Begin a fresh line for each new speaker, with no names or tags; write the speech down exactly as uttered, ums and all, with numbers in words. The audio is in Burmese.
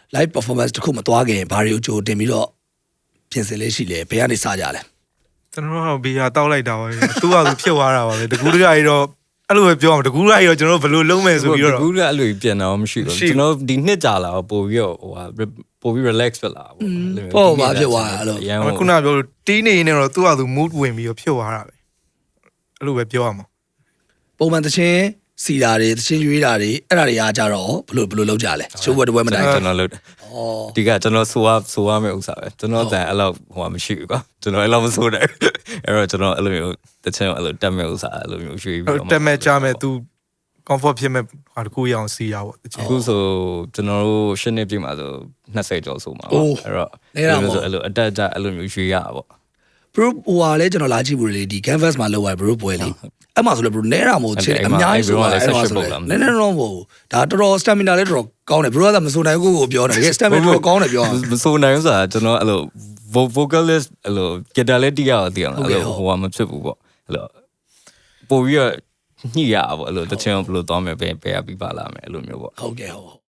live performance တခုမသွားခင်ဘာတွေကိုကြိုတင်ပြီးတော့ပြင်ဆင်လေးရှိလဲဘယ်ကနေစကြလဲ
ကျွန်တော်တို့ဘီယာတောက်လိုက်တာပါပဲသူ့ဟာသူဖြစ်သွားတာပါပဲတကူတကကြီးတော့အဲ့လိုပဲပြောမှာတကူတကကြီးတော့ကျွန်တော်တို့ဘယ်လိုလုံးမယ်ဆိုပြီးတော့
တကူကအဲ့လိုပြင်တော့မရှိဘူးကျွန်တော်ဒီနှစ်ကြာလာတော့ပို့ပြီးတော့ဟိုဟာပို့ပြီး relax ဖြစ်လာပေါ့
ပေါ့ဘာဖြစ်သွားအဲ့လို
ခုနပြောလို့တီးနေနေတော့သူ့ဟာသူ mood ဝင်ပြီးတော့ဖြစ်သွားတာပဲအဲ့လိုပဲပြောရမှာ
ပုံမှန်တချင်းစီတာတွေတချင်းရွေးတာတွေအဲ့ဒါတွေအားကြတော့ဘယ်လိုဘယ်လိုလုပ်ကြလဲရှိုးဘွယ်တပွဲမတိုင်
ကျွန်တော်လုပ်တယ်ဩဒီကကျွန်တော်ဆိုရဆိုရမယ့်ဥစ္စာပဲကျွန်တော်တန်အဲ့လောက်ဟိုမရှိဘူးကွာကျွန်တော်အဲ့လောက်မဆိုနိုင်အဲ့တော့ကျွန်တော်အဲ့လိုမျိုးတချင်းအဲ့လိုတက်မဲ့ဥစ္စာအဲ့လိုမျိုးရွှေ့ပြီးတော့
တက်မဲ့ကြမဲ့ तू comfort ဖြစ်မဲ့ဟာတကူရအောင်စီရပေါ့
အခုဆိုကျွန်တော်တို့ရှစ်နှစ်ပြည့်မှာဆို20ကျော်ဆိုမှာပေါ့အဲ့တော့အဲ့လိုဆိုအဲ့လိုအတက်ကြအဲ့လိုမျိုးရွှေ့ရပါပေါ့
bro ဟိုဟာလဲကျွန်တော်လာကြည့်ဘူးလေဒီ canvas မှာလောက်ရ bro ပွဲလေးအဲ့မှာဆိုလေ bro နဲတာမို့ချင်းအများကြီးဆိုတော့အဲ့မှာဆိုလေနဲနဲတော့မဟုတ်ဒါတော်တော် stamina လည်းတော်တော်ကောင်းတယ် bro ကမဆိုနိုင်ဘူးကိုပြောတယ်တကယ် stamina တော်တော်ကောင်းတယ်ပြော
မဆိုနိုင်ဘူးဆိုတာကျွန်တော်အဲ့လို vocalist အဲ့လို guitar လည်းတီးရအောင်တီးအောင်အဲ့လိုဟိုကမဖြစ်ဘူးပေါ့အဲ့လိုပို့ပြီးတော့ညှိရပါပေါ့အဲ့လိုတချင်ဘယ်လိုသွားမယ်ပဲပဲပြီးပါလာမယ်အဲ့လိုမျိုးပေါ့
ဟုတ်ကဲ့ဟုတ်